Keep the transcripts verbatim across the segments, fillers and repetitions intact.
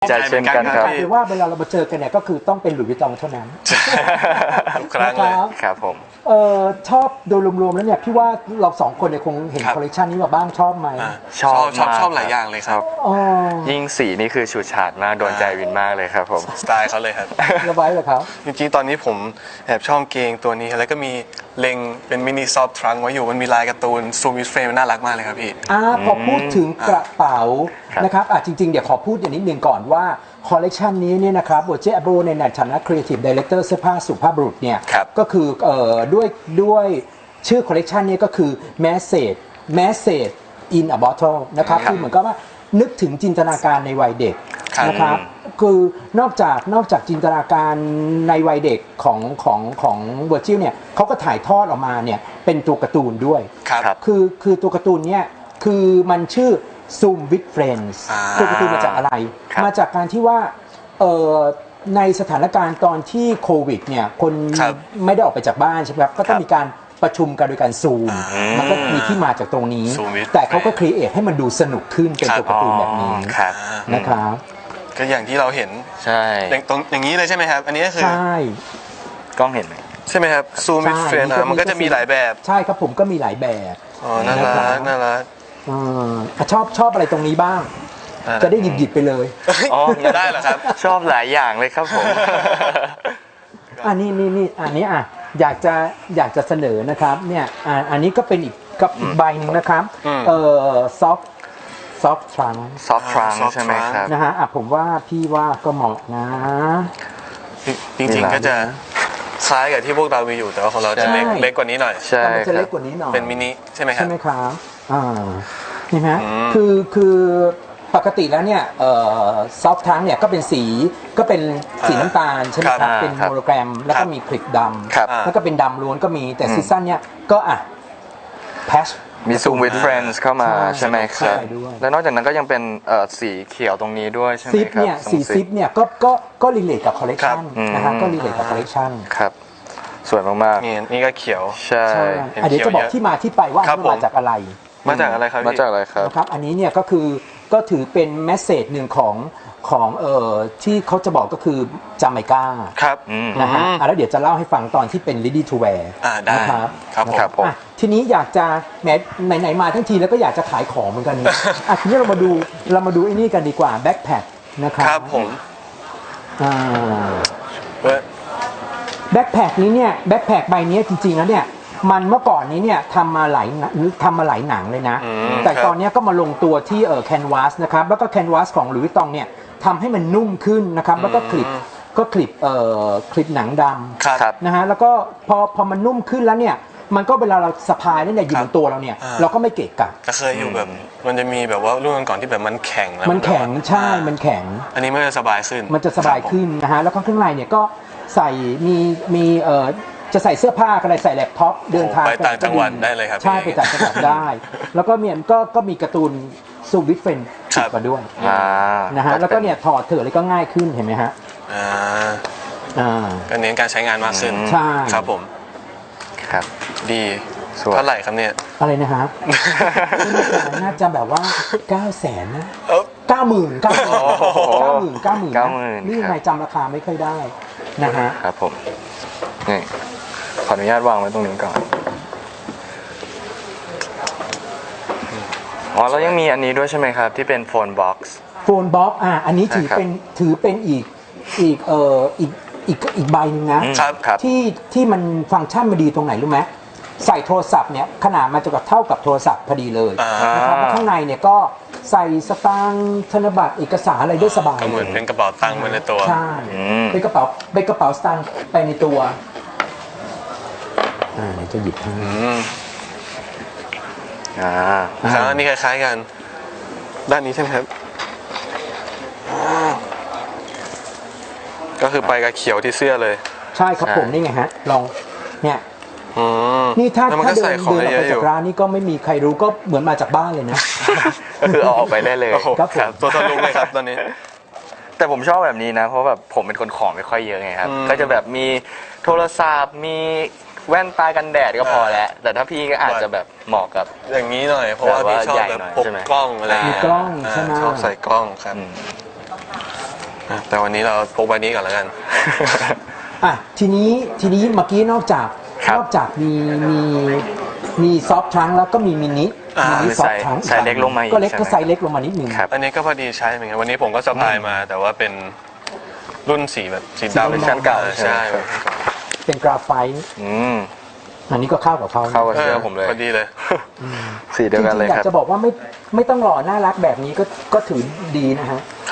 ใจเช่นกันครับคือว่าเวลาเรามาเจอกันเนี่ยก็คือต้องเป็นหลุยส์วิตตองเท่านั้นทุกครั้งเลยครับผมเออชอบโดยรวมๆแล้วเนี่ยพี่ว่าเราสองคนเนี่ยคงเห็นคอลเลคชันนี้มาบ้างชอบไหมชอบชอบชอบหลายอย่างเลยครับยิ่งสีนี่คือฉูดฉาดมากโดนใจวินมากเลยครับผมสไตล์เขาเลยครับระบายเลยครับจริงๆตอนนี้ผมแอบชอบเกงตัวนี้แล้วก็มีเล็งเป็นมินิซอฟทรังไว้อยู่มันมีลายการ์ตูนซูมิสเฟรมน่ารักมากเลยครับพี่อ่าพอพูดถึงกระเป๋านะครับอ่ะจริงๆเดี๋ยวขอพูดอย่างนิดนึงก่อนว่าคอลเลกชันนี้เนี่ยนะครับโบเจอโบในฐานะ Creative Director เสื้อผ้าสุภาพบุรุษเนี่ยก็คือเอ่อด้วยด้วยชื่อคอลเลกชันนี้ก็คือ Message Message in a Bottle นะครับคือเหมือนกับว่านึกถึงจินตนาการในวัยเด็กนะครับคือนอกจากนอกจากจินตนาการในวัยเด็กของของของเวอร์จิลเนี่ยเขาก็ถ่ายทอดออกมาเนี่ยเป็นตัวการ์ตูนด้วยคือคือตัวการ์ตูนเนี่ยคือมันชื่อ Zoom with Friends ตัวการ์ตูนมาจากอะไรมาจากการที่ว่าเอ่อในสถานการณ์ตอนที่โควิดเนี่ยคนไม่ได้ออกไปจากบ้านใช่ไหมครับก็ต้องมีการประชุมกันโดยการซูมมันก็มีที่มาจากตรงนี้แต่เขาก็ครีเอทให้มันดูสนุกขึ้นเป็นตัวการ์ตูนแบบนี้นะครับก็อย่างที่เราเห็นใช่อย่างตรงอย่างนี้เลยใช่ไหมครับอันนี้ก็คือใช่กล้องเห็นไหมใช่ไหมครับซูมวิดเฟรนมันก็จะมีหลายแบบใช่ครับผมก็มีหลายแบบอ๋อน่ารักน่ารักชอบชอบอะไรตรงนี้บ้างจะได้หยิบหยิบไปเลยอ๋อได้เหรอครับชอบหลายอย่างเลยครับผมอันนี้นี่นี่อันนี้อ่ะอยากจะอยากจะเสนอนะครับเนี่ยอันนี้ก็เป็นอีกกับอีกใบนึงนะครับเอ่อซอฟซอฟทรังซอฟทรังใช่ไหมครับนะฮะอ่ะผมว่าพี่ว่าก็เหมาะนะจริงๆก็จะคล้ายกับที่พวกเรามีอยู่แต่ว่าของเราจะเล็กเล็กกว่านี้หน่อยใช่จะเล็กกว่านี้หน่อยเป็นมินิใช่ไหมครับใช่ไหมครับอ่าเห็นไหมคือคือปกติแล้วเนี่ยซอฟทังเนี่ยก็เป็นสีก็เป็นสีน้ำตาลใช่ไหมครับเป็นโมโนแกรมแล้วก็มีคลิปดำแล้วก็เป็นดำล้วนก็มีแต่ซีซั่นเนี่ยก็อ่ะแพชมี Zoom with Friends เข้ามาใช่ไหมครับแล้วนอกจากนั้นก็ยังเป็นสีเขียวตรงนี้ด้วยใช่ไหมครับซิปเนี่ยสีซิปเนี่ยก็ก็ก็รีเลทกับคอลเลคชันนะฮะก็รีเลทกับคอลเลคชันครับสวยมากๆนี่นี่ก็เขียวใช่เดี๋ยวจะบอกที่มาที่ไปว่ามาจากอะไรมาจากอะไรครับมาจากอะไรครับนะครับอันนี้เนี่ยก็คือก็ถือเป็นแมสเสจหนึ่งของของเอ่อที่เขาจะบอกก็คือจาเมกาครับนะฮะแล้วเดี๋ยวจะเล่าให้ฟังตอนที่เป็น ready to wear นะครับครับผมทีนี้อยากจะแม้ไหนๆมาทั้งทีแล้วก็อยากจะขายของเหมือนกันอ่ะทีนี้เรามาดูเรามาดูไอ้นี่กันดีกว่าแบ็คแพคนะครับครับผมอ่าแบ็คแพคนี้เนี่ยแบ็คแพคใบนี้จริงๆแล้วเนี่ยมันเมื่อก่อนนี้เนี่ยทำมาหลายทำมาหลายหนังเลยนะแต่ตอนนี้ก็มาลงตัวที่เอ่อแคนวาสนะครับแล้วก็แคนวาสของหลุยส์วิตตองเนี่ยทำให้มันนุ่มขึ้นนะครับแล้วก็คลิปก็คลิปเอ่อคลิปหนังดำนะฮะแล้วก็พอพอมันนุ่มขึ้นแล้วเนี่ยมันก็เวลาเราสะพายเนี่ยอยู่บนตัวเราเนี่ยเราก็ไม่เกะกะก็เคยอยู่แบบมันจะมีแบบว่ารุ่นก่อนที่แบบมันแข็งมันแข็งใช่มันแข็งอันนี้มันจะสบายขึ้นมันจะสบายขึ้นนะฮะแล้วก็ข้างในเนี่ยก็ใส่มีมีเอ่อจะใส่เสื้อผ้าอะไรใส่แล็ปท็อปเดินทางไปต่างจังหวัดได้เลยครับใช่ไปต่างจังหวัดได้แล้วก็มีก็ก็มีการ์ตูนซูวิทเฟนติดมาด้วยนะฮะแล้วก็เนี่ยถอดเถอะเลยก็ง่ายขึ้นเห็นไหมฮะอ่าอ่าก็เน้นการใช้งานมากขึ้นใช่ครับผมครับดีเท่าไหร่ครับเนี่ยอะไรนะครับน่าจะแบบว่าเก้าแสนนะเก้าหมื่นเก้าหมื่นเก้าหมื่นเก้าหมื่นนี่นายจำราคาไม่ค่อยได้นะฮะครับผมนี่ขออนุญาตวางไว้ตรงนี้ก่อนอ๋อแล้วยังมีอันนี้ด้วยใช่ไหมครับที่เป็นโฟนบ็อกซ์โฟนบ็อกซ์อ่ะอันนี้ถือเป็นถือเป็นอีกอีกเอ่ออีกอีกอีกใบนึงนะที่ที่มันฟังก์ชันมันดีตรงไหนรู้ไหมใส่โทรศัพท์เนี่ยขนาดมันจะกับเท่ากับโทรศัพท์พอดีเลยนะครับแล้วข้างในเนี่ยก็ใส่สตางค์ธนบัตรเอกสารอะไรได้สบายเหมือนเป็นกระเป๋าตังค์ไปในตัวใช่เป็นกระเป๋าเป็นกระเป๋าสตางค์ไปในตัวอ่าจะหยิบให้อ่าครับอันนี้คล้ายๆกันด้านนี้ใช่ไหมครับก็คือไปกับเขียวที่เสื้อเลยใช่ครับผมนี่ไงฮะลองเนี่ยนี่ถ้าถ้าเดินเดินออกไปจากร้านนี่ก็ไม่มีใครรู้ก็เหมือนมาจากบ้านเลยนะก็คือเอาออกไปได้เลยครับตัวทะลุเลยครับตอนนี้แต่ผมชอบแบบนี้นะเพราะแบบผมเป็นคนของไม่ค่อยเยอะไงครับก็จะแบบมีโทรศัพท์มีแว่นตากันแดดก็พอแล้วแต่ถ้าพี่ก็อาจจะแบบเหมาะกับอย่างนี้หน่อยเพราะว่าพี่ชอบแบบพกกล้องอะไรมีกล้องใช่ไหมชอบใส่กล้องครับแต่วันนี้เราพกใบนี้ก่อนแล้วกันอ่ะทีนี้ทีนี้เมื่อกี้นอกจากครับนอกจากมีมีมีซอฟทรังแล้วก็มีมินิอ่ามินิซอฟทรังไซส์เล็กลงมาอีกก็เล็กใช่ไหมก็ไซส์เล็กลงมานิดนึงครับอันนี้ก็พอดีใช้เหมือนกันวันนี้ผมก็สะพายมา แต่ว่าเป็นรุ่นสีแบบสีสีดำดำเวอร์ชันเก่าใช่ใช่ไหมเป็นกราไฟต์อืมอันนี้ก็เข้ากับเขานะเข้ากับเสื้อผมเลยพอดีเลยสีเดียวกันเลยจริงๆอยาครักบจะบอกว่าไม่ไม่ต้องหล่อน่ารักแบบนี้ก็ก็ถือดีนะฮะครับ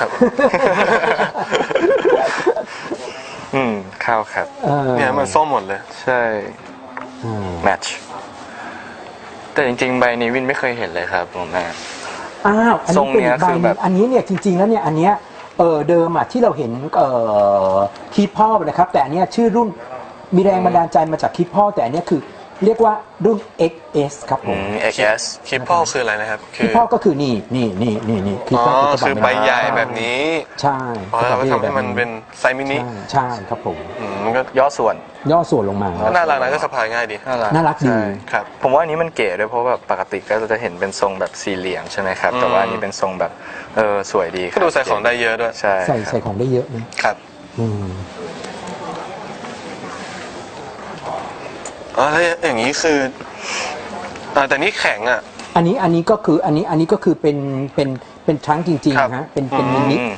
อืมเข้าครับเออเนี่ยมันส้มหมดเลยใช่อืมแมทช์แต่จริงๆ ใบนี้วินไม่เคยเห็นเลยครับผมแม่อ้าวอันทรนี้งเป็นเนี้ยอีกใบคือหแบนึบงอันนี้เนี่ยจริง ๆแล้วเนี่ยอันเนี้ยเออเดิมอ่ะที่เราเห็นเอ่อคีพ่อนะครับ แต่อันเนี้ยชื่อรุ่นมีแรงบันดาลใจมาจากคีพ่อแต่อันเนี้ยคือเรียกว่ารุ่น เอ็กซ์ เอส ครับผอืมม เอ็กซ์ เอสคลิปพ่อคืออะไรนะครับ คืคีพ่อก็คือนี่นี่นี่นี่นี่คีอ๋อพ่อคืคืออกระใบเป๋าใหญ่แบบนี้ใช่อ๋อแล้วก็ทำให้มันแบบเป็นไซส์มินิใช่ใช่ครับผมอืมมันก็ย่อส่วนย่อส่วนลงมาก็น่ารักนะก็สะพายง่ายดีน่ารักน่ารักดีใช่ครับผมว่าอันนี้มันเก๋ด้วยเพราะแบบปกติก็จะเห็นเป็นทรงแบบสี่เหลี่ยมใช่ไหมครับ แต่ว่าอันนี้เป็นทรงแบบเออสวยดีคก็รับดูใส่ของได้เยอะด้วยใช่ใส่ครับใส่ของได้เยอะนะครับ อืมอ๋อแล้วอย่างนี้คืออ่าแต่นี่แข็งอ่ะอันนี้อันนี้ก็คืออันนี้อันนี้ก็คือเป็นเป็นเป็นทรังก์จริงครับๆฮะเป็นเป็นมินิอืม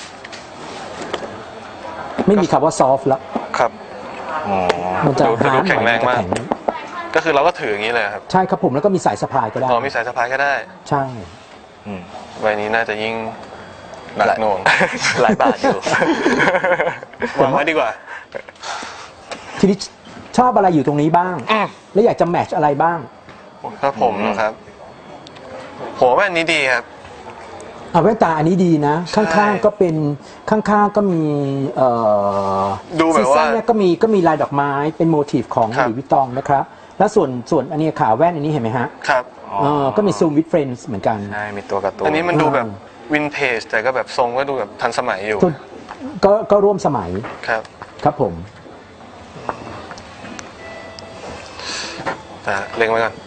ไม่มีคำว่าซอฟต์แล้วครับอ๋อมันจะดูฮาร์ดดูแข็งแรงมากหน่อยนจะก็คือเราก็ถืออย่างนี้เลยครับใช่ครับผมแล้วก็มีสายสะพายก็ได้อ๋อมีสายสะพายก็ได้ใช่อืมใบนี้น่าจะยิ่งหนักหน่วงหลายบาทอยู่วางไว้ดีกว่าทีนี้ชอบอะไรอยู่ตรงนี้บ้างอืมแล้วอยากจะแมทช์อะไรบ้างครับผมนะครับผมว่าอันนี้ดีครับเอาแว่นตาอันนี้ดีนะใช่ข้างๆก็เป็นข้างๆก็มีเอ่อดูแบบว่าซีซั่นเนี่ยก็มีก็มีลายดอกไม้เป็นโมทีฟของครัหบลุยส์วิตตองนะครับแล้วส่วนส่วนอันนี้ขาแว่นอันนี้เห็นไหมฮะครับอ๋อเออก็มีซูมวิดเฟรนส์เหมือนกันใช่มีตัวการ์ตูนอันนี้มันดูแบบอืมวินเทจแต่ก็แบบทรงก็ดูแบบทันสมัยอยู่ส่วนก็ก็ร่วมสมัยครับครับผมแต่เล็งไว้ก่อน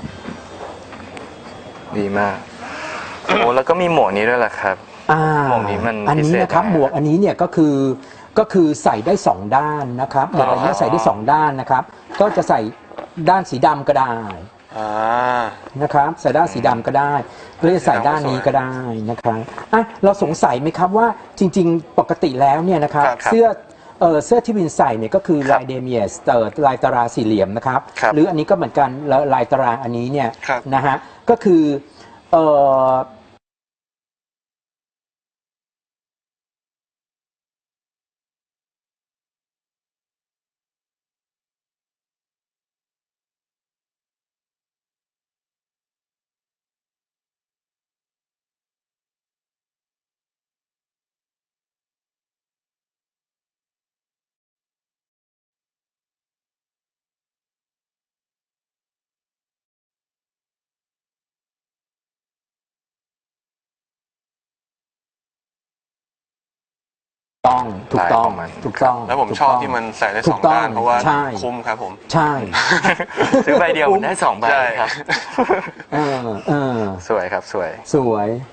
ดีมากโอ้แล้วก็มีหมวกนี้ด้วยแหละครับอ่าหมวกนี้มันอันนี้พิเศษนะครับยังไงหมวกอันนี้เนี่ยก็คือก็คือใส่ได้สองด้านนะครับหมวกอันนี้ใส่ได้สองด้านนะครับ ก็จะใส่ด้านสีดำก็ได้อ่านะครับใส่ด้านสีดำก็ได้หรือจะใส่ด้านนี้ก็ได้นะครับอ่ะเราสงสัยไหมครับว่าจริง ๆ ปกติแล้วเนี่ยนะครับครับครับเสื้อเออเสื้อที่วินใส่เนี่ยก็คือครับลายเดเมียสเตอร์ลายตารางสี่เหลี่ยมนะครับครับหรืออันนี้ก็เหมือนกันแล้วลายตารางอันนี้เนี่ยครับนะฮะก็คือเออต้องถูกต้องลายของมันถูกต้องแล้วผมถูกชอบต้องที่มันใส่ได้ถูสอก งต้องด้านเพราะว่าใช่คุ้มครับผมใช่ซื้อใบเดียวมันได้สองใบใช่ครับเออเออสวยครับสวยสวย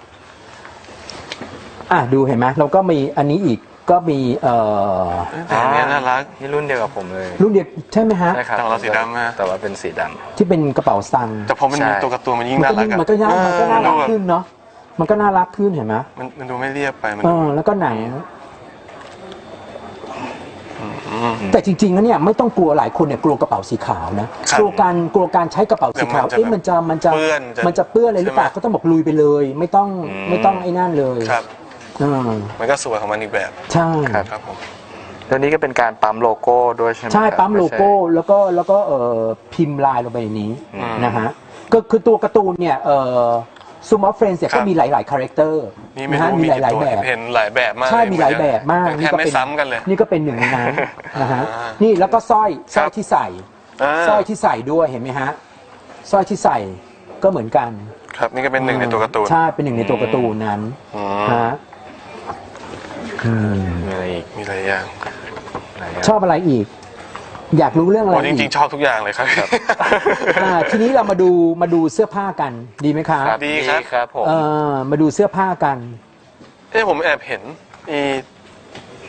อ่ะดูเห็นไหมเราก็มีอันนี้อีกก็มีเอ่อแต่อันเนี้ยน่ารักนี่รุ่นเดียวกับผมเลยรุ่นเดียวใช่ไหมฮะใช่ครับแต่ของเราสีดำฮะแต่ว่าเป็นสีดที่เป็นกระเป๋าสตังค์แต่พอมันมีใช่ตัวการ์ตูนมันยิ่งมันน่าก็รัยิ่กงอะมันก็น่ามันก็น่ารักเออขึ้นเนาะมันก็น่ารักขึ้นเห็นไหมมันมันดูไม่เรียบไปมันเอดูอแล้วก็หนังมแต่จริงๆแล้วเนี่ยไม่ต้องกลัวหลายคนเนี่ยกลัวกระเป๋าสีขาวนะครับ กลัวการกลัวการใช้กระเป๋าสีขาวเดี๋ยวมันจะเอ๊ะมันจะมันจะเปื้อนจะมันจะเปื้อนอะไรหรือเปล่าใช่ไหมก็ต้องบอกลุยไปเลย ไม่ต้องอืมไม่ต้องไอ้นั่นเลยครับเออมันก็สวยของมันอีกแบบใช่ครับครับผมำแล้วนี้ก็เป็นการปั๊มโลโก้ด้วยใช่ไหมใช่ครับปั๊มโลโก้ไใช่แล้วก็แล้วก็เอ่อพิมพ์ลายลงไปในนี้อืมนะฮะก็คือตัวการ์ตูนเนี่ยเอ่อซูมอฟเฟรนส์เนี่ยครัก็บมีหลายๆคาแรคเตอร์นี่ไม่นะฮะรู้มีมีหกี่ลายตัวๆแบบเห็นหลายแบบมากใช่มีหลายแบบมากแทบไม่ซ้ำกันเลยนี่ก็เป็นหนึ่งในนั้นนะฮะอ่านี่แล้วก็สร้อยสร้อยครับที่ใส่อ่าสร้อยที่ใส่ด้วยเห็นไหมฮะสร้อยที่ใส่ก็เหมือนกันครับนี่ก็เป็นหนึ่งในตัวการ์ตูนใช่เป็นหนึ่งในตัวการ์ตูนนั้นอืมฮะอืมมีอะไรอีกมีหลายอย่างหลายย่างชอบอะไรอีก อยากรู้เรื่องอะไรโอ้จอีริงกๆ ชอบทุกอย่างเลยครับอ่าทีนี้เรามาดูมาดูเสื้อผ้ากันดีไหมครับดีครับครับผมเออมาดูเสื้อผ้ากันเอ้ผมแอบเห็นอี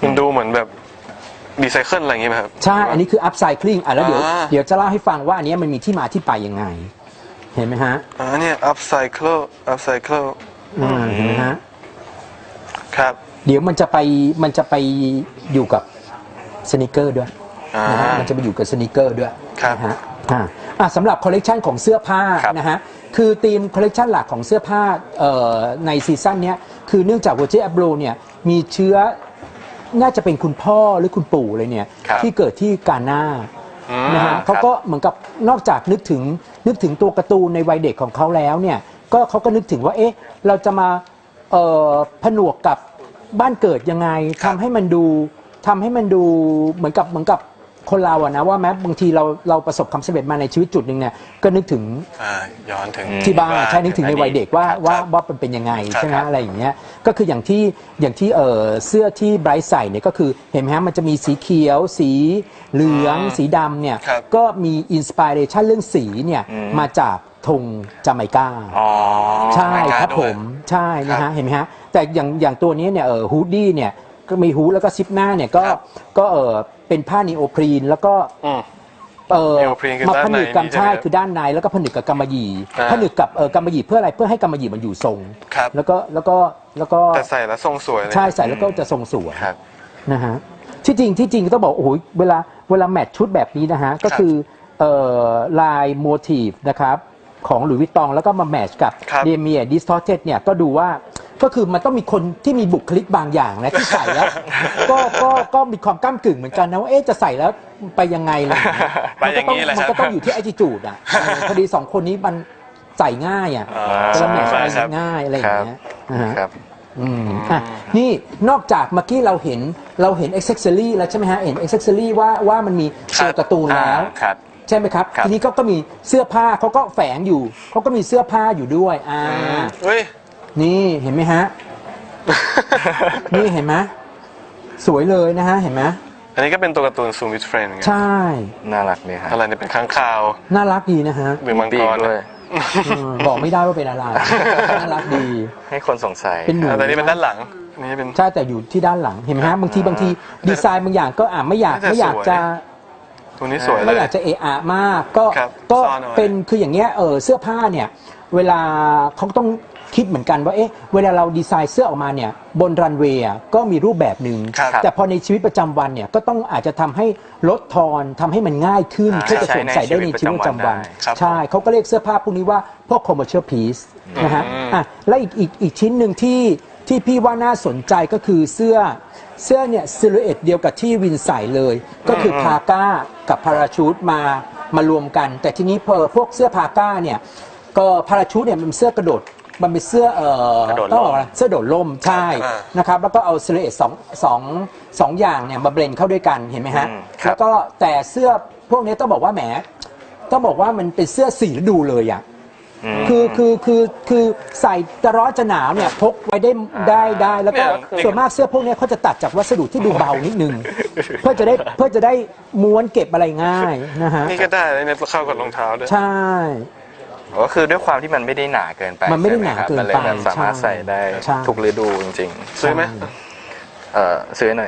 มันดูเหมือนแบบรีไซเคิลอะไรอย่างเงี้ยไหมครับใช่ อันนี้คือ upcycling อ่ะแล้วเดี๋ยวอ่าเดี๋ยวจะเล่าให้ฟังว่าอันเนี้ยมันมีที่มาที่ไปยังไง เห็นไหมฮะอ่าเนี่ย upcycle upcycle อืมเห็นไหมฮะครับเดี๋ยวมันจะไปมันจะไปอยู่กับสนิเกอร์ด้วยอ่านนะฮะมันจะไปอยู่กับสนิเกอร์ด้วยครับนะฮะอ่าอ่ะสำหรับคอลเลกชันของเสื้อผ้าครับนะฮะคือธีมคอลเลกชันหลักของเสื้อผ้าเอ่อในซีซั่นเนี้ยคือเนื่องจาก Virgil Abloh เนี่ยมีเชื้อน่าจะเป็นคุณพ่อหรือคุณปู่เลยเนี่ยครับที่เกิดที่กาหน้าอืมนะฮะเขาก็เหมือนกับนอกจากนึกถึงนึกถึงตัวการ์ตูนในวัยเด็กของเขาแล้วเนี่ยก็เขาก็นึกถึงว่าเอ๊ะเราจะมาเอ่อผนวกกับบ้านเกิดยังไงทำให้มันดูทำให้มันดูเหมือนกับเหมือนกับคนเราอะนะว่าแม้บางทีเราเราประสบความสำเร็จมาในชีวิตจุดหนึ่งเนี่ยก็นึกถึงอ่าย้อนถึงที่บ้านใช่นึกถึงในวัยเด็กว่าครับว่าครับว่าเป็นเป็นยังไงครับใช่ไหมครับอะไรอย่างเงี้ยก็คืออย่างที่อย่างที่เออเสื้อที่ไบรท์ใส่เนี่ยก็คือเห็นไหมฮะมันจะมีสีเขียว สีเหลือง สีดำเนี่ยครับก็มีอินสปิเรชันเรื่องสีเนี่ยมาจากธงจาไมกาอ๋อใช่จาไมกาครับด้วยผมใช่นะครัฮะบเห็นไหมฮะแต่อย่างอย่างตัวนี้เนี่ยเออฮูดดี้เนี่ยก็มีฮูดแล้วก็ซิปหน้าเนี่ยก็ครับก็เออเป็นผ้านีโอพรีนแล้วก็อืมเออนีโอพรีนคือมาด้านผนึกกับในนี่ใช่ใช่ไหมคือด้านในแล้วก็ผนึกกับกำมะหยี่อ่าผนึกกับเออกำมะหยี่เพื่ออะไรเพื่อให้กำมะหยี่มันอยู่ทรงครับแล้วก็แล้วก็แล้วก็แต่ใส่แล้วทรงสวยเลยใช่ใส่แล้วก็จะทรงสวยครับนะฮะที่จริงที่จริงต้องบอกโอ้โหเวลาเวลาแมทชุดแบบนี้นะฮะก็คือเอ่อลายโมทีฟนะครับของหลุยส์วิตตองแล้วก็มาแมทช์กับครับเดเมียดิสทอร์เทเนี่ยก็ดูว่าก็คือมันต้องมีคนที่มีบุคลิกบางอย่างนะที่ใส่แล้ว ก็ก็ก็มีความก้ากึ่งเหมือนกันนะว่าเอ๊ะจะใส่แล้วไปยังไงอะไรอย่างเงี้ยไปอย่างนี้นี้แหละมันครับก็ต้องอยู่ที่ attitude อ่ะเออพอดีสองคนนี้มันใส่ง่ายอ่ะอ่าจะแมทช์ใช่อะไรครับง่ายอะไรอย่างเงี้ยนะฮะครับอืมอ่ะนี่นอกจากเมื่อกี้เราเห็นเราเห็นอ็อกเซสซอรี่แล้วใช่ไหมฮะเห็นอ็อกเซสซอรี่ว่าว่ามันมีตัวการ์ตูนแล้วครับใช่ไหมครับครับทีนี้ก็ก็มีเสื้อผ้าเขาก็แฝงอยู่เขาก็มีเสื้อผ้าอยู่ด้วยอ่าเฮ้ยนี่เห็นไหมฮะ นี่เห็นไหมสวยเลยนะฮะเห็นไหมอันนี้ก็เป็นตัวการ์ตูนซูมิทเฟรนด์ใช่น่ารักดีครับอะไรเนี่ยเป็นค้างคาวน่ารักดีนะฮะหรือมังปีกกรด้วยอืมบอกไม่ได้ว่าเป็นอะไรน่ารักดีให้คนสงสัยเป็นหนูอ่าแต่นี่เป็นด้านหลังอันนี่เป็นใช่แต่อยู่ที่ด้านหลังเห็นไหมฮะบางทีบางทีดีไซน์บางอย่างก็อ่าไม่อยากแต่ไม่อยากสวยจะตัวนี้สวยเลไม่ยอยากจะเอะอะมากก็ครับก็ซ่อนเอาไว้เป็นคืออย่างเงี้ยเออเสื้อผ้าเนี่ยเวลาเขาต้องคิดเหมือนกันว่าเอ๊ะเวลาเราดีไซน์เสื้อออกมาเนี่ยบนรันเวย์อ่ะก็มีรูปแบบหนึ่งครับแต่พอในชีวิตประจำวันเนี่ยก็ต้องอาจจะทำให้ลดทอนทำให้มันง่ายขึ้นอ่าเพื่อจะสวมใส่ได้ในชีวิตประจำวันครับใช่เขาก็เรียกเสื้อผ้าพวกนี้ว่าพวก commercial piece นะฮะอืมอ่ะและอีกอีกอีกชิ้นหนึ่งที่ที่พี่ว่าน่าสนใจก็คือเสื้อเสื้อเนี่ยซิลูเอตเดียวกับที่วินใส่เลย ก็คือพาก้ากับพาราชูตมามารวมกัน แต่ทีนี้พอพวกเสื้อพาก้าเนี่ยก็พาราชูตเนี่ยมันเป็นเสื้อกระโดดมันเป็นเสื้อเอ่อกระโดดร่มต้องบอกอะไรเสื้อโดดร่มใช่อ่านะครับแล้วก็เอาซิลูเอตสองสองสองอย่างเนี่ยมาเบลนเข้าด้วยกันเห็นไหมฮะอืมครับแล้วก็แต่เสื้อพวกนี้ต้องบอกว่าแหมต้องบอกว่ามันเป็นเสื้อสีฤดูเลยอ่ะมคือคือคือคือใส่จะร้อนจะหนาวเนี่ยพกไว้ได้ได้ได้แล้วก็เนี่ยส่วนมากเสื้อพวกเนี้ยเขาจะตัดจากวัสดุที่ดูเบานิดนึง เพื่อจะได้เพื่อจะได้ม้วนเก็บอะไรง่ายนะฮะนี่ก็ได้เลยเนี่ยเข้ากับรองเท้าด้วยใช่ก็คือด้วยความที่มันไม่ได้หนาเกินไปมันไม่ได้ใช่หนาครับเกินมันเลยไปแบบสามารถใช่ใส่ได้ใช่ทุกฤดูจริงซื้อไหมๆเออซื้อหน่อย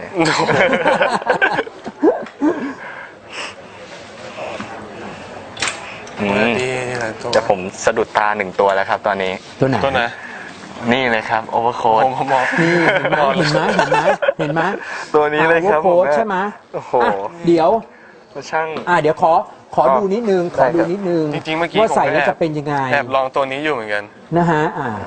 อืมดีหลายตัวแต่ผมสะดุดตาหนึ่งตัวแล้วครับตอนนี้ตัวไหนตัวไหนนี่เลยครับโอเวอร์โค้ดผมผมมองนี่เห็นไหมเห็นไหมเห็นไหมเห็นไหมตัวนี้เลยครับโค้ผมดใช่ไหมโอ้โหอ่ะเดี๋ยวช่างอ่ะเดี๋ยวขอขอดูนิดนึงขอดูนิดนึงจริงๆเมื่อกี้ว่าใส่ผมก็แล้วแอบจะเป็นยังไงแอบลองตัวนี้อยู่เหมือนกันนะฮะอ่า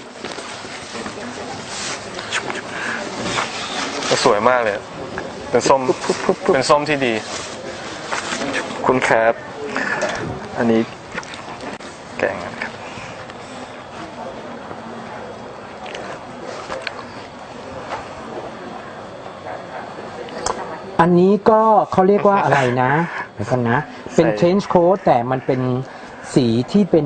สวยมากเลย เป็นส้ม เป็นส้มที่ดีคุณครับ อันนี้แกงกันครับอันนี้ก็เขาเรียกว่าอะไรนะเดี๋ยวกันนะ เป็นใส่ trench coat แต่มันเป็นสีที่เป็น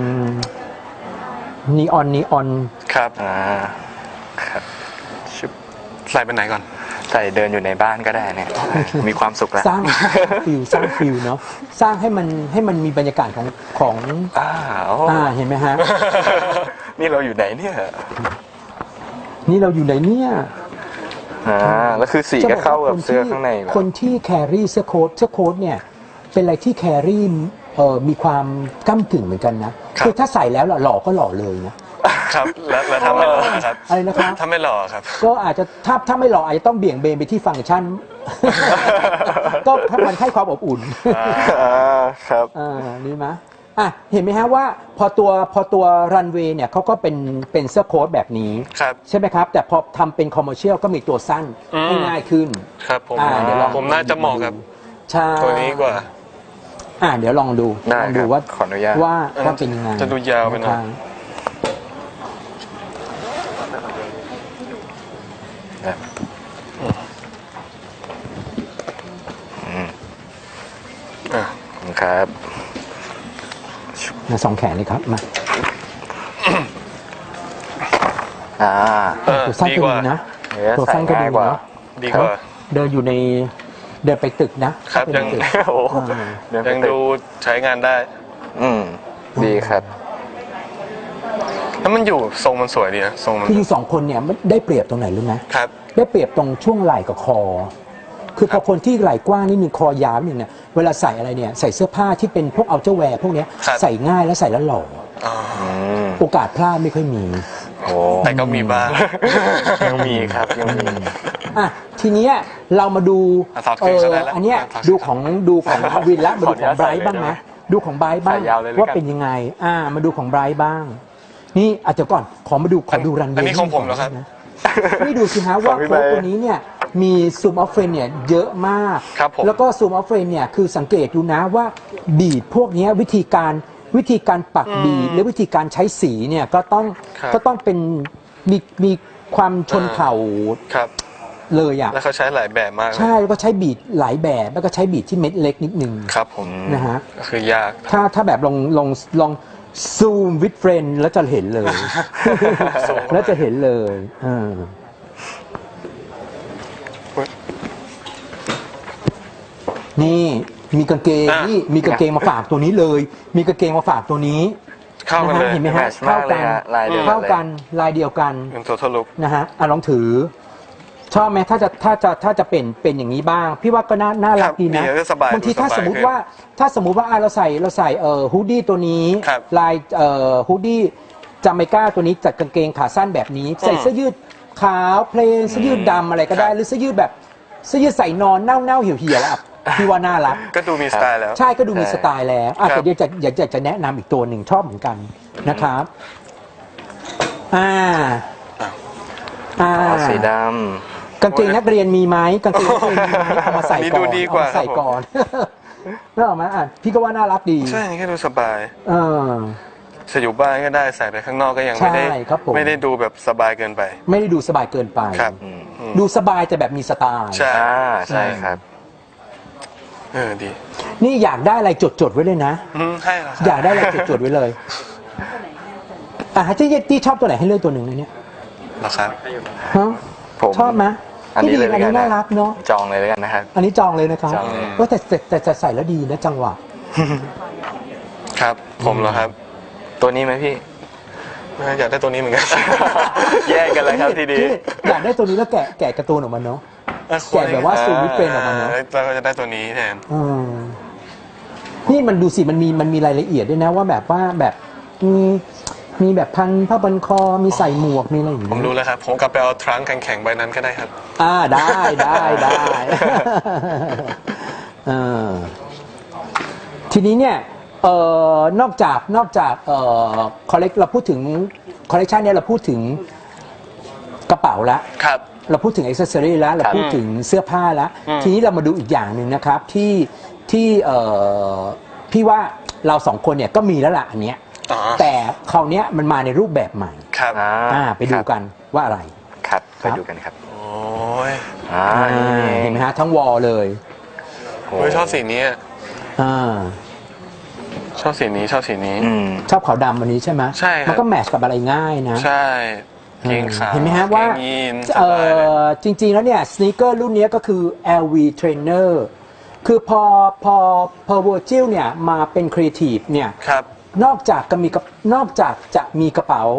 นีออนนีออนครับอ่าครับชุบใส่เป็นไหนก่อนใส่เดินอยู่ในบ้านก็ได้เนี่ย มีความสุขแล้วสร้างฟิลสร้างฟิลเนาะสร้างให้มันให้มันมีบรรยากาศของของอ้าวอ่าเห็นไหมฮะนี่เราอยู่ไหนเนี่ยนี่เราอยู่ไหนเนี่ยอ่าแล้วคือสีก็เข้ากับเสื้อข้างในแบบคนที่แครี่เสื้อโค้ทเสื้อโค้ทเนี่ยเป็นอะไรที่แครี่เอ่อมีความก้ากึ่งเหมือนกันนะคือถ้าใส่แล้วหล่อก็หล่อเลยนะครับแล้วแล้วถ้าไม่หล่อครับอะไรนะครับถ้าไม่หล่อครับก็อาจจะถ้าถ้าไม่หล่ออาจจะต้องเบี่ยงเบนไปที่ฟังก์ชัน ก็ถ้ามันให้ความอบอุ่นอ่าครับอ่านี่ไหมอ่ะเห็นไหมฮะว่าพอตัวพอตัวรันเวย์เนี่ยเขาก็เป็นเป็นเสื้อโค้ทแบบนี้ครับใช่ไหมครับ แต่พอทำเป็นคอมเมอร์เชียลก็มีตัวสั้นอืมให้ง่ายขึ้นครับผมอ่าเดี๋ยวลองผมน่าจะเหมาะกับใช่ตัวนี้กว่าอ่าเดี๋ยวลองดูได้ลองดูครับว่าขออนุญาตว่าอันนั้ว่าน เป็นยังไงจะดูยาวไปหน่อยะครับครับอืมอ่ะขอบคุณครับมาสองแขนเลยครับมาอ่าเออตัวสั้นดีก็กว่าดีนะเนื้อตัวใส่สั้นก็ดีง่ายกว่าเนาะดีกว่าเดินอยู่ในเดินไปตึกนะครับยังไปในตึกโอ้โหอ่าเนื้อยังไม่ติดูใช้งานได้อืมดีครับแล้วมันอยู่ทรงมันสวยดีนะทรงมันคือสองคนเนี่ยมันได้เปรียบตรงไหนรู้ไหมครับได้เปรียบตรงช่วงไหล่กับคอ คือพอคนที่ไหล่กว้างนิดนึงคอยาวนิดนึงเนี่ยเวลาใส่อะไรเนี่ยใส่เสื้อผ้าที่เป็นพวกเอาเจ้าแวร์พวกเนี้ยครับใส่ง่ายและใส่แล้วหล่ออ๋ออืมโอกาสพลาดไม่ค่อยมีโอ้แต่ก็มีบ้างยังมีครับยังมีอ่ะทีเนี้ยเรามาดูอ่ะถอดเกงซะได้แล้วอันเนี้ยถอดเกงดูของดูของวินละมาดูของไบรท์บ้างไหมดูของไบรท์บ้างใส่ยาวเลยแล้วกันว่าเป็นยังไง อ่ามาดูของไบรท์บ้าง นี่อาจจะเดี๋ยวก่อนขอมาดูขอดูรันเวย์อันนี้ของผมเหรอครับนะนี่ดูสิฮะว่าของพี่โค้ดไบร์ทตัวนี้เนี่ยมีซูมออฟเฟรมเนี่ยเยอะมากครับผมแล้วก็ซูมออฟเฟรมเนี่ยคือสังเกตดูนะว่าบีดพวกเนี้ยวิธีการวิธีการปักบีดหรือวิธีการใช้สีเนี่ยก็ต้องครับก็ต้องเป็นมีมีความชนเผ่าครับเลยอ่ะแล้วเขาใช้หลายแบบมากเลยใช่แล้วก็ใช้บีดหลายแบบแล้วก็ใช้บีดที่เม็ดเล็กนิดนึงครับผมนะฮะก็คือยากถ้าถ้าแบบลองลองลองซูมวิดเฟรนแล้วจะเห็นเลยซูมแล้วจะเห็นเลยเออนี่มีกางเกงอ่ะนี่มีกางเกงมาฝากตัวนี้เลย มีกางเกงมาฝากตัวนี้เข้ากันนะเลฮะยเห็นไหมฮะแมทช์มากเลยฮะลายเดียวกันเข้าเลยกันลายเดียวกันเป็นตัวทะลุนะฮะอ่ะลองถือ ชอบไหมถ้าจะถ้าจะถ้าจะเป็นเป็นอย่างนี้บ้าง พี่ว่าก็น่าน่ารักดีนะครับดีก็สบายบางทีดูสบายถ้าสมมติขึ้นว่าถ้าสมมุติว่าอ่ะเราใส่เราใส่เอ่อฮูดดี้ตัวนี้ครับลายเอ่อฮูดดี้จาเมกาตัวนี้จัดกางเกงขาสั้นแบบนี้ ใส่เสื้อยืดขาวเพลนเสื้อยืดดำอะไรก็ได้ครับหรือเสื้อยืดแบบเสื้อยืดใส่นอนเน่าเน่าๆเหี่ยวเหี่ยวๆอ่ะพี่ว่าน่ารักก็ดูมีสไตล์แล้วใช่ก็ดูมีสไตล์แล้วอ่ะครับแต่เดี๋ยวจะอยากจะจะแนะนำอีกตัวหนึ่งชอบเหมือนกันนะครับอ่าอ้าวอ่าอ๋อสีดกางเกงนักเรียนมีไหมกางเกงนักเรียนมีไหมเอามาใส่นี่ก่ดูอนดีเอากว่ามาใส่ครับผมก่อน แล้วออกมาอ่ะพี่ก็ว่าน่ารักดีใช่นี่ก็ดูสบายเออจะอยู่บ้านก็ได้ใส่ไปข้างนอกก็ยังไม่ได้ใช่ครับผมไม่ได้ดูแบบสบายเกินไปไม่ได้ดูสบายเกินไปครับำอืมอืมดูสบายแต่แบบมีสไตล์ใช่อ่าใช่ครับเออดีนี่อยากได้อะไรจดจดๆไว้เลยนะอืมให้เหรอครับอยากได้อะไรจดจดๆไว้เลยอ่ะที่ที่ชอบตัวไหนให้เลือกตัวหนึ่งนะเนี่ยเหรอครับฮะผมชอบไหมอันนี้ที่เลดียอันนี้แล้วกัน่ารักเนาะจองเลยแล้วกันนะครับอันนี้จองเลยนะครับจองเลยว่าแต่แต่แต่แต่ใส่แล้วดีนะจังหวะครับ ผมเหรอครับตัวนี้ไหมพี่อยากได้ตัวนี้เหมือนกันแยกกันเลยครับทีนี้พี่อยากได้ตัวนี้แล้วแกะแกะการ์ตูนออกมาเนาะ แกะแบบว่าซูมวิดเฟรนออกมาเนาะเราก็จะได้ตัวนี้แทนอืมนี่มันดูสิมันมีมันมีรายละเอียดด้วยนะว่าแบบว่าแบบมีมีแบบพันผ้าบันคอมีใส่หมวกมีอะไรอย่างผมเงี้ยรู้แล้วครับ ผมกลับไปเอาทรังก์แข็งๆใบนั้นก็ได้ครับอ่าได้ได้ได้ เออทีนี้เนี่ยเอ่อนอกจากนอกจากเอ่อคอลเลกเราพูดถึงคอลเลกชันเนี่ยเราพูดถึงกระเป๋าละครับเราพูดถึงอิ c เซสซอรี่แล้วเราพูดถึงเสื้อผ้าแล้วอืมทีนี้เรามาดูอีกอย่างหนึ่งนะครับที่ที่เอ่อพี่ว่าเราสองคนเนี่ยก็มีแล้วล่ะอันเนี้ยอ๋อแต่คราวเนี้ยมันมาในรูปแบบใหม่ครับอ่าอ่าไปดูกันว่าอะไรครับครัไปบดูกันครับโอ้ยอ่าอ่าเห็นไหมฮะทั้งวอลเลยโอ้เฮ้ยชอบสีนี้อ่าชอบสีนี้ชอบสีนี้อืมชอบขาวดำวันนี้ใช่ไหมใช่ครับมันก็แมทช์กับอะไรง่ายนะใช่เกงขาวเห็นไหมฮะว่าเกงยีนสเอ่บายเลยอจริง ๆ แล้วเนี่ยสน e เกอร์รุ่นนี้ก็คือ แอล วี Trainer คือพอพอพอ Virgil เนี่ยมาเป็นครีเอทีฟเนี่ยครับนอกจากจะมีกับนอกจากจะมีกระเป๋า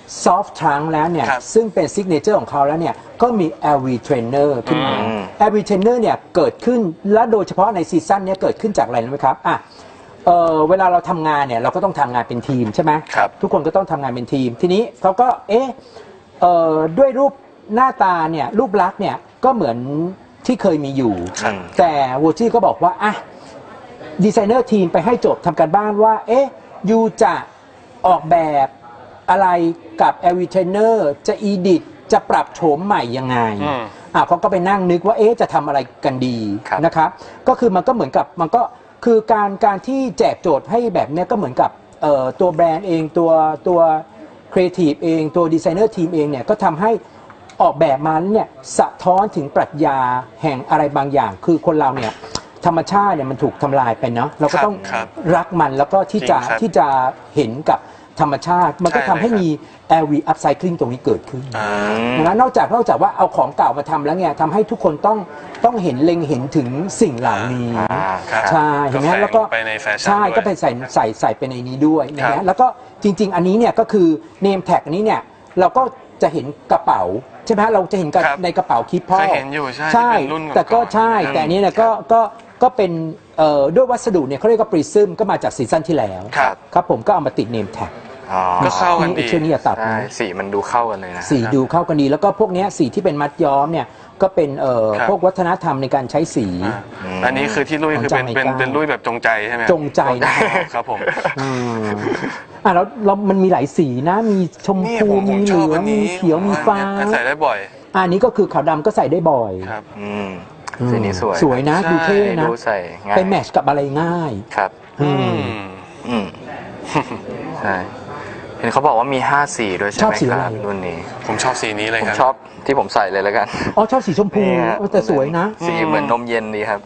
soft trunk แล้วเนี่ยครับซึ่งเป็นซิกเนเจอร์ของเขาแล้วเนี่ยก็มี แอล วี Trainer ขึ้นมา แอล วี Trainer เนี่ยเกิดขึ้นและโดยเฉพาะในซีซั่นเนี้เกิดขึ้นจากอะไรรู้ไหมครับอ่ะเออเวลาเราทำงานเนี่ยเราก็ต้องทำงานเป็นทีมใช่ไหมครับทุกคนก็ต้องทำงานเป็นทีม ทีนี้เขาก็เอ๊ะเอ่อด้วยรูปหน้าตาเนี่ยรูปลักษณ์เนี่ยก็เหมือนที่เคยมีอยู่ครับแต่วอจี้ก็บอกว่าอ่ะดีไซเนอร์ทีมไปให้โจทย์ทำการบ้านว่าเอ๊ะยูจะออกแบบอะไรกับ แอล วี Trainer จะ edit จะปรับโฉมใหม่ยังไงอืมอ่ะเขาก็ไปนั่งนึกว่าเอ๊ะจะทำอะไรกันดีครับนะครับก็คือมันก็เหมือนกับมันก็คือการการที่แจกโจทย์ให้แบบเนี้ยก็เหมือนกับเอ่อตัวแบรนด์เองตัวตัวครีเอทีฟเองตัวดีไซเนอร์ทีมเองเนี่ยก็ทำให้ออกแบบมาเนี่ยสะท้อนถึงปรัชญาแห่งอะไรบางอย่าง คือคนเราเนี่ยธรรมชาติเนี่ยมันถูกทำลายไปเนาะเราก็ต้องครับรักมันแล้วก็ที่จะจริงครับที่จะเห็นกับธรรมชาติ มันก็ใช่ทำให้เลยครับมี แอล วี Upcycling ตรงนี้เกิดขึ้นอ่านะนอกจากนอกจากว่าเอาของเก่ามาทำแล้วเนี่ยทำให้ทุกคนต้องต้องเห็นเล็งเห็นถึงสิ่งเหล่านี้อ่าครับใช่เห็นไหมก็แฝงแล้วก็ไปในแฟชั่นใช่ด้วยก็ไปใส่ใส่ใส่ไปในนี้ด้วยนะครัฮะบแล้วก็จริง ๆ อันนี้เนี่ยก็คือ name tag อันนี้เนี่ยเราก็จะเห็นกระเป๋าใช่ไหมฮะเราจะเห็นกับครับในกระเป๋าคิดพ่อเคยเห็นอยู่ใช่ใช่ที่เป็นรุ่นก่อนๆแต่ก็ใช่ครับแต่อันนี้เนี่ยก็ก็ก็เป็นเอ่อด้วยวัสดุเนี่ยเขาเรียกว่าปริซึมก็มาจากซีซั่นที่แล้วครับครับผมก็เอามาติด name tag อ๋อก็เข้ากันดีไอ้ชื่อนี้อย่าตัดใช่นะสีมันดูเข้ากันเลยนะสีดูเข้ากันดีแล้วก็พวกเนี้ยสีที่เป็นมัดย้อมเนี่ยก็เป็นเอ่อครับพวกวัฒนธรรมในการใช้สีอ่าอันนี้คือที่ลุยคือเป็นเป็นเป็นลุยแบบจงใจใช่ไหมจงใจนะครับผมอืมอ่ะแล้วแล้วมันมีหลายสีนะมีชมนี่พูผมผมีมเหชลือบออังนมีนี้เขียวมีฟ้าอันใส่ได้บ่อยอันนี้ก็คือขาวดำก็ใส่ได้บ่อยครับอืมอืมสีนี้สวยสวยนะใช่ดูเท่นะดูใส่ง่ายไปแมทช์กับอะไรง่ายครับอืมอืมอืมใช่เห็นเขาบอกว่ามีห้าสีด้วยใช่ชอบไหมสีคอะไรรับรุ่นนี้ผมชอบสีนี้เลยผมครับชอบที่ผมใส่เลยแล้วกันอ๋อชอบสีชมพูนี่ฮะเออแต่สวยนะสีเหมือนนมเย็นดีครับ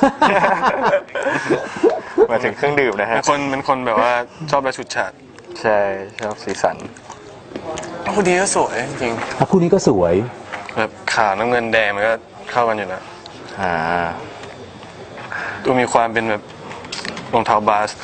มาถึงเครื่องดื่มนะเป็ฮะนคนเป็นคนแบบว่าชอบแบบชุดฉาดใช่ชอบสีสันคู่นี้ก็สวยจริงอ่ะคู่นี้ก็สวยแบบขาวน้ำเงินแดงมันก็เข้ากันอยู่นะอ่าดูมีความเป็นแบบรองเท้าบาส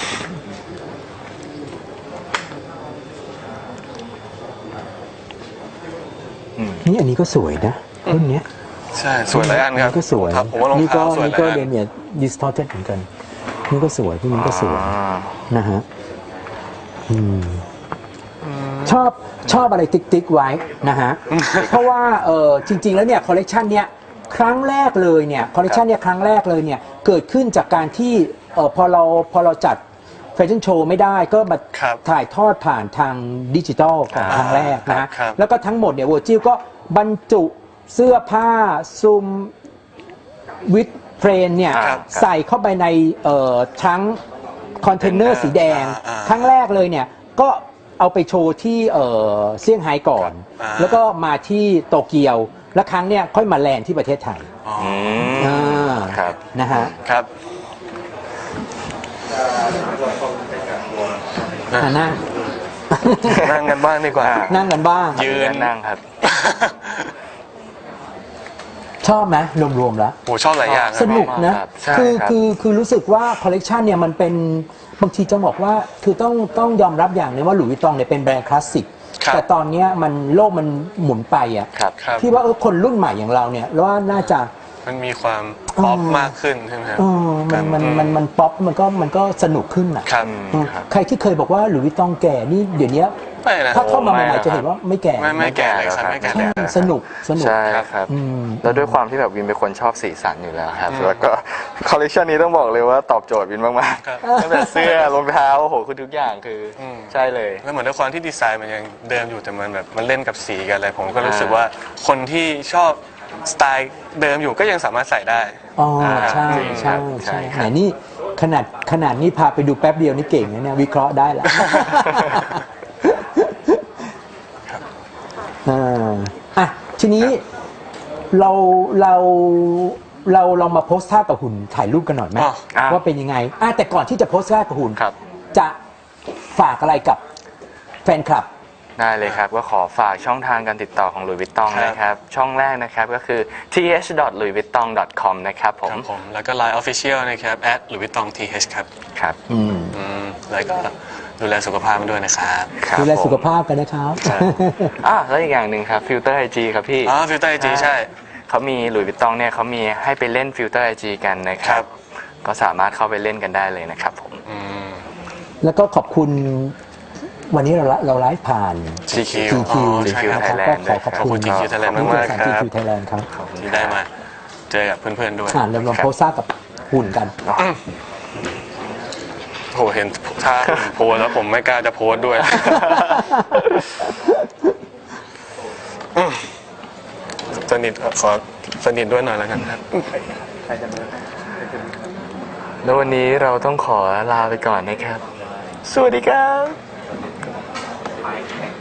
นี่อันนี้ก็สวยนะรุ่นเนี้ยใช่สวยหลายอันครับก็สวยรองเท้าผมว่ารองนี่ก็เท้าสวยนี่หลายก็อันเดเมียดิสทอร์เทเหมือนกัน นี่ก็สวยที่นี่ก็สวยอ่านะฮะอืมชอบชอบอะไรติ๊กติ๊กไว้นะฮะ เพราะว่าเออจริง ๆ แล้วเนี่ยคอลเลกชันเนี้ยครั้งแรกเลยเนี่ยคอลเลกชันเนี่ยครั้งแรกเลยเนี่ยเกิดขึ้นจากการที่เออพอเราพอเราจัดแฟชั่นโชว์ไม่ได้ก็มาครับถ่ายทอดผ่านทางดิจิทัลของอ่าครั้งแรกนะฮะครับแล้วก็ทั้งหมดเนี่ยวอร์จิลก็บรรจุเสื้อผ้าซุมวิดเทรนเนี่ยครับใส่เข้าไปในเอ่อทั้งคอนเทนเนอร์สีแดงอ่าอ่าครั้งแรกเลยเนี่ยก็เอาไปโชว์ที่เอ่อเซี่ยงไฮ้ก่อนอ่าแล้วก็มาที่โตเกียว แล้วครั้งเนี่ยค่อยมาแลนด์ที่ประเทศไทยอ๋ออืมอ่าครับนะฮะครับอ่านั่งนั่งกันบ้างดีกว่านั่งกันบ้างยืนนั่งครับชอบไหมรวมๆแล้วโหชอบหลายอย่างครับสนุกนะครับใช่คือครับคือคือรู้สึกว่าคอลเลกชันเนี่ยมันเป็นบางทีจะบอกว่าคือต้องต้องยอมรับอย่างหนึงว่าหลุยส์วิตตองเนี่ยเป็นแบรนด์คลาสสิกครับแต่ตอนเนี้ยมันโลกมันหมุนไปอ่ะครับครับพี่ว่าเออคนรุ่นใหม่อย่างเราเนี่ยว่าน่าจะมันมีความป๊อปอืมมากขึ้นใช่ไหมครับเออมันมันมันมันป๊อปมันก็มันก็สนุกขึ้นอ่ะครับอืมใครที่เคยบอกว่าหลุยส์วิตตองแก่นี่เดี๋ยวนี้ไม่นะถ้าเข้ามาใหไม่ม่นะๆจะเห็นว่าไม่แก่ไม่ไม่แก่เลยครับไม่แก่ใช่สนุกสนุกใช่ครับอืมแล้วด้วยความที่แบบวินเป็นคนชอบสีสันอยู่แล้วครับ แล้วก็คอลเลคชันนี้ต้องบอกเลยว่าตอบโจทย์วินมากครับๆตั้งแต่เสื้อรองเท้าโอ้โหคือทุกอย่างคืออมใช่เลยแล้วเหมือนด้วยความที่ดีไซน์มันยังเดิมอยู่แต่มันแบบมันเล่นกับสีกันอะไรผมก็รู้สึกอ่าว่าคนที่ชอบสไตล์เดิมอยู่ก็ยังสามารถใส่ได้อ๋ออ่าใช่จริงครัใช่บใช่ใช่ครับไหนนี่ขนาดขนาดนี้พาไปดูแป๊บเดียวนี่เก่งนะเนี่ยวิเคราะห์ได้แล้วอ่าอ่ะทีนี้เราเราเราลองมาโพสท่ากับหุ่นถ่ายรูปกันหน่อยไหมอ๋ออ่ะว่าเป็นยังไงอ่ะแต่ก่อนที่จะโพสท่ากับหุ่นครับจะฝากอะไรกับแฟนคลับได้เลยครับ ก็ขอฝากช่องทางการติดต่อของ Louis Vuitton ครับนะครับ ช่องแรกนะครับก็คือ ที เอช ดอท ลุยส์วิตตอง ดอท คอม นะครับผมครับผมแล้วก็ Line Official นะครับ at louis vuitton th ครับครับอืมอืมแล้วก็ดูแลสุขภาพด้วยนะครับครับดูแลสุขผมภาพกันนะครับอ่ะแล้วอีกอย่างหนึ่งครับฟิลเตอร์ไอจีครับพี่อ๋อฟิลเตอร์ไอจีใช่เขามีหลุยส์วิตตองเนี่ยเขามีให้ไปเล่นฟิลเตอร์ไอจีกันนะคครัรับบก็สามารถเข้าไปเล่นกันได้เลยนะครับผมอืมแล้วก็ขอบคุณวันนี้เราเราไลฟ์ผ่านจี คิวจี คิวอ๋อใช่ครับนะครับก็ขอขอบขอบคุคุณ ณ จี คิว Thailand ขอบคุณมากๆบริษัทครับจี คิว Thailand ครับที่ได้มาเจอกับเพื่อนๆด้วยอ่านเราลองโพสต์ซ่ากับหุ่นกันโหเห็นถ้าผมโพสต์แล้วผมไม่กล้าจะโพสต์ด้วย อืมสนิทขอสนิทด้วยหน่อยแล้วกันครับแล้ววันนี้เราต้องขอลาไปก่อนนะครับ สวัสดีครับ